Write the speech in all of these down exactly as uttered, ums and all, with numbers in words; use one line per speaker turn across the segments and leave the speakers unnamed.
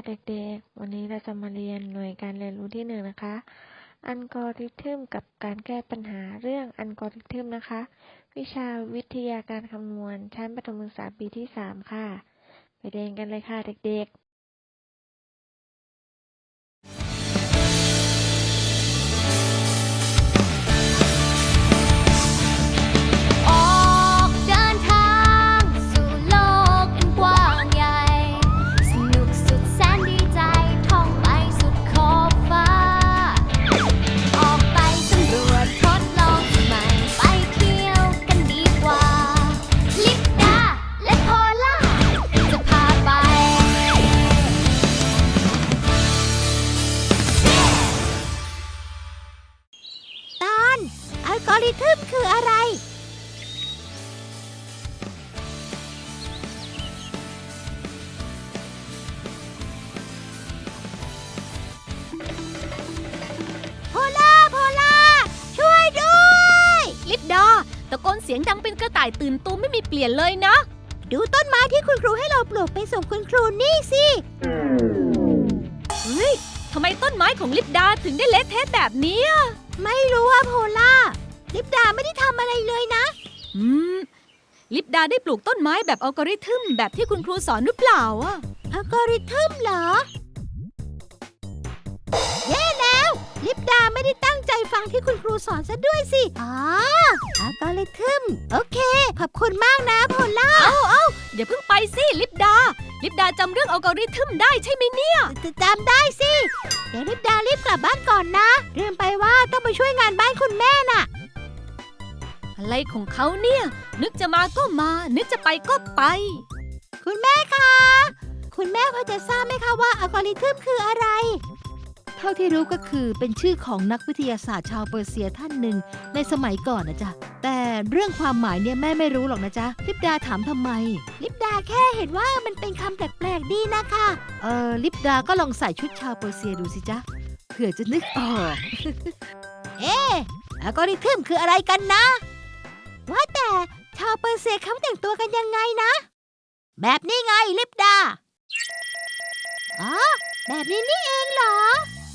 เด็กๆวันนี้เราจะมาเรียนหน่วยการเรียนรู้ที่หนึ่งนะคะอัลกอริทึมกับการแก้ปัญหาเรื่องอัลกอริทึมนะคะวิชาวิทยาการคำนวณชั้นประถมศึกษาปีที่สามค่ะไปเรียนกันเลยค่ะเด็กๆ
อัลกอริทึมคืออะไรโพล่าโพล่าช่วยด้วยลิปดาตะโกนเสียงดังเป็นกระต่ายตื่นตูมไม่มีเปลี่ยนเลยนะดูต้นไม้ที่คุณครูให้เราปลูกไปส่งคุณครูนี่สิเฮ้ยทำไมต้นไม้ของลิปดาถึงได้เละเทะแบบนี้ไม่รู้ว่าโพล่าลิปดาไม่ได้ทำอะไรเลยนะอืมลิปดาได้ปลูกต้นไม้แบบอัลกอริทึมแบบที่คุณครูสอนหรือเปล่าอ่ะอัลกอริทึมเหรอแย่แล้วลิปดาไม่ได้ตั้งใจฟังที่คุณครูสอนซะด้วยสิอ๋ออัลกอริทึมโอเคขอบคุณมากนะโพล่าเอาเอาอย่าเพิ่งไปสิลิปดาลิปดาจำเรื่องอัลกอริทึมได้ใช่ไหมเนี่ยจำได้สิเดี๋ยวลิปดารีบกลับบ้านก่อนนะลืมไปว่าต้องไปช่วยงานบ้านคุณแม่น่ะอะไรของเขาเนี่ยนึกจะมาก็มานึกจะไปก็ไปคุณแม่คะคุณแม่พอจะทราบไหมคะว่าอัลกอริทึมคืออะไรเท่าที่รู้ก็คือเป็นชื่อของนักวิทยาศาสตร์ชาวเปอร์เซียท่านหนึ่งในสมัยก่อนนะจ๊ะแต่เรื่องความหมายเนี่ยแม่ไม่รู้หรอกนะจ๊ะลิปดาถามทำไมลิปดาแค่เห็นว่ามันเป็นคำแปลกๆดีนะคะเออลิปดาก็ลองใส่ชุดชาวเปอร์เซียดูสิจ๊ะเผื่อจะนึกออก เอ๊ะอัลกอริทึมคืออะไรกันนะว่าแต่ชาวเปอร์เซียเขาแต่งตัวกันยังไงนะแบบนี้ไงลิปดาอ๋อแบบนี้นี่เองเหรอ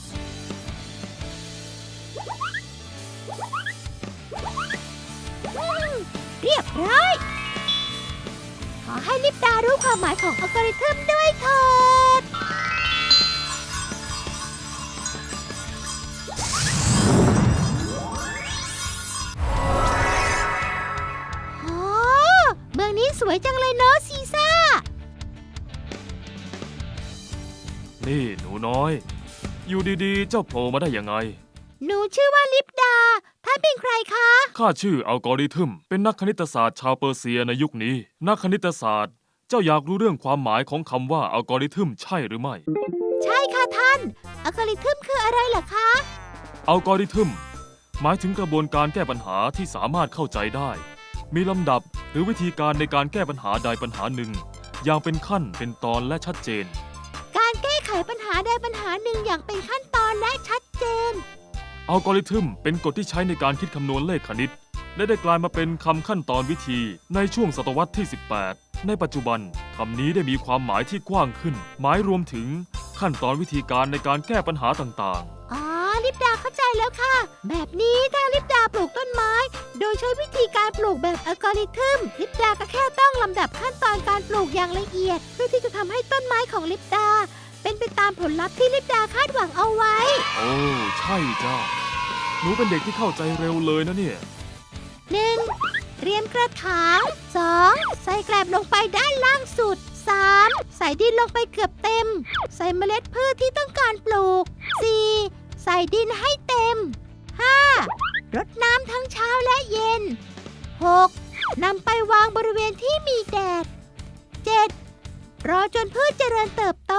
เรียบร้อยขอให้ลิปดารู้ความหมายของอัลกอริทึมด้วยเถิดเมืองนี้สวยจังเลยเนาะซีซ่า
นี่หนูน้อยอยู่ดีๆเจ้าโผล่มาได้ยังไง
หนูชื่อว่าลิปดาท่านเป็นใครคะ
ข้าชื่ออัลกอริทึมเป็นนักคณิตศาสตร์ชาวเปอร์เซียในยุคนี้นักคณิตศาสตร์เจ้าอยากรู้เรื่องความหมายของคำว่าอัลกอริทึมใช่หรือไม่
ใช่ค่ะท่านอัลกอริทึมคืออะไรเหรอคะ
อัลกอริทึมหมายถึงกระบวนการแก้ปัญหาที่สามารถเข้าใจได้มีลำดับหรือวิธีการในการแก้ปัญหาใดปัญหาหนึ่งอย่างเป็นขั้นเป็นตอนและชัดเจน
การแก้ไขปัญหาใดปัญหาหนึ่งอย่างเป็นขั้นตอนและชัดเจน
อัลกอริทึมเป็นกฎที่ใช้ในการคิดคำนวณเลขคณิตและได้กลายมาเป็นคำขั้นตอนวิธีในช่วงศตวรรษที่สิบแปดในปัจจุบันคำนี้ได้มีความหมายที่กว้างขึ้นหมายรวมถึงขั้นตอนวิธีการในการแก้ปัญหาต่าง
ๆอ๋อลิปดาเข้าใจแล้วค่ะแบบนี้ถ้าลิปดาปลูกต้นไม้โดยใช้วิธีการปลูกแบบอัลกอริทึมลิปดาก็แค่ต้องลำดับขั้นตอนการปลูกอย่างละเอียดเพื่อที่จะทำให้ต้นไม้ของลิปดาเป็นไปตามผลลัพธ์ที่ลิปดาคาดหวังเอาไว้
โอ้ใช่จ้าหนูเป็นเด็กที่เข้าใจเร็วเลยนะเนี่ย
หนึ่ง เตรียมกระถาง สอง ใส่แกลบลงไปด้านล่างสุด สาม ใส่ดินลงไปเกือบเต็มใส่เมล็ดพืชที่ต้องการปลูก สี่ ใส่ดินให้เต็ม ห้า รดน้ำทั้งเช้าและเย็น หก นำไปวางบริเวณที่มีแดด เจ็ด รอจนพืชเจริญเติบโต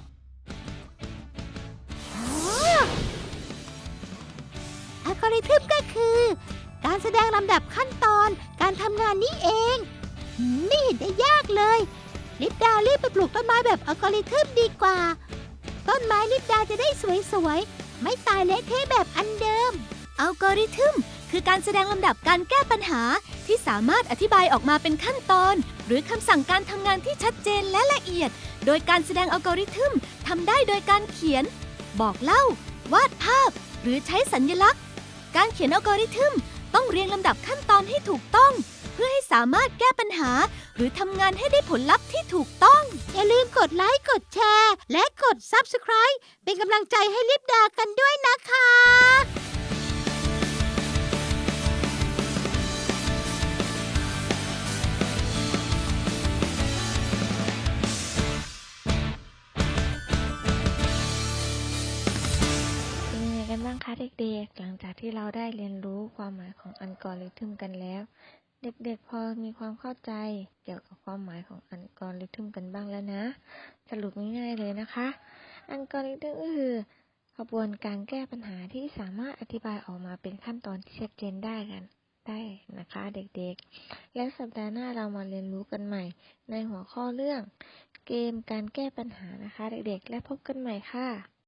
อัลกอริทึมก็คือการแสดงลำดับขั้นตอนการทำงานนี้เองไม่เห็นได้ยากเลยลิปดารีบไปปลูกต้นไม้แบบอัลกอริทึมดีกว่าต้นไม้ลิปดาจะได้สวยๆไม่ตายเละเทะแบบอันเดิมอัลกอริทึมคือการแสดงลำดับการแก้ปัญหาที่สามารถอธิบายออกมาเป็นขั้นตอนหรือคำสั่งการทำงานที่ชัดเจนและละเอียดโดยการแสดงอัลกอริทึมทำได้โดยการเขียน บอกเล่า วาดภาพ หรือใช้สัญลักษณ์ การเขียนอัลกอริทึมต้องเรียงลำดับขั้นตอนให้ถูกต้อง เพื่อให้สามารถแก้ปัญหา หรือทำงานให้ได้ผลลัพธ์ที่ถูกต้อง อย่าลืมกดไลค์ กดแชร์ และกด ซับสไครบ์ เป็นกำลังใจให้ลิปดากันด้วยนะคะ
เป็นยังไงกันบ้างคะเด็กๆ หลังจากที่เราได้เรียนรู้ความหมายของอัลกอริทึมกันแล้ว เด็กๆ พอมีความเข้าใจเกี่ยวกับความหมายของอัลกอริทึมกันบ้างแล้วนะ สรุปง่ายๆเลยนะคะ อัลกอริทึมก็คือกระบวนการแก้ปัญหาที่สามารถอธิบายออกมาเป็นขั้นตอนที่ชัดเจนได้กันได้นะคะเด็กๆ แล้วสัปดาห์หน้าเรามาเรียนรู้กันใหม่ ในหัวข้อเรื่อง เกมการแก้ปัญหานะคะเด็กๆ และพบกันใหม่ค่ะ